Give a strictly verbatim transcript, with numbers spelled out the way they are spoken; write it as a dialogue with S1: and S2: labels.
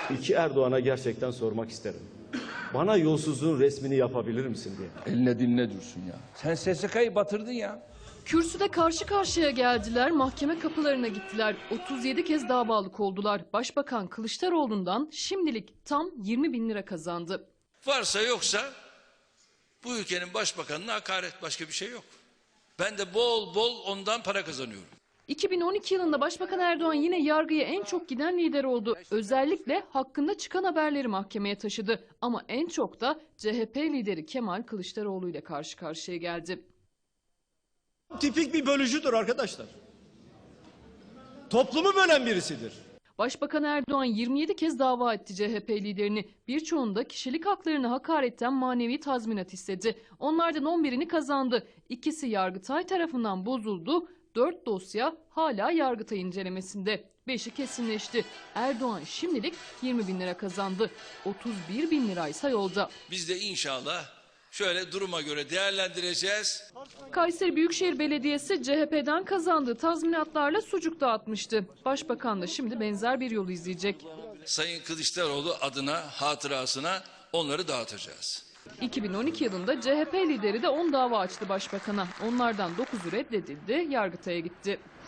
S1: İki Erdoğan'a gerçekten sormak isterim. Bana yolsuzluğun resmini yapabilir misin diye.
S2: Eline dinle Dursun ya. Sen S S K'yı batırdın ya.
S3: Kürsüde karşı karşıya geldiler, mahkeme kapılarına gittiler. otuz yedi kez davalık oldular. Başbakan Kılıçdaroğlu'ndan şimdilik tam yirmi bin lira kazandı.
S4: Varsa yoksa bu ülkenin başbakanına hakaret, başka bir şey yok. Ben de bol bol ondan para kazanıyorum.
S3: iki bin on iki yılında Başbakan Erdoğan yine yargıya en çok giden lider oldu. Özellikle hakkında çıkan haberleri mahkemeye taşıdı. Ama en çok da C H P lideri Kemal Kılıçdaroğlu ile karşı karşıya geldi.
S5: Tipik bir bölücüdür arkadaşlar. Toplumu bölen birisidir.
S3: Başbakan Erdoğan yirmi yedi kez dava etti C H P liderini. Birçoğunda kişilik haklarını hakaretten manevi tazminat istedi. Onlardan on birini kazandı. İkisi Yargıtay tarafından bozuldu. Dört dosya hala Yargıtay incelemesinde. Beşi kesinleşti. Erdoğan şimdilik yirmi bin lira kazandı. otuz bir bin liraysa yolda.
S4: Biz de inşallah şöyle duruma göre değerlendireceğiz.
S3: Kayseri Büyükşehir Belediyesi C H P'den kazandığı tazminatlarla sucuk dağıtmıştı. Başbakan da şimdi benzer bir yolu izleyecek.
S4: Sayın Kılıçdaroğlu adına, hatırasına onları dağıtacağız.
S3: iki bin on iki yılında C H P lideri de on dava açtı başbakana. Onlardan dokuzu reddedildi, Yargıtay'a gitti.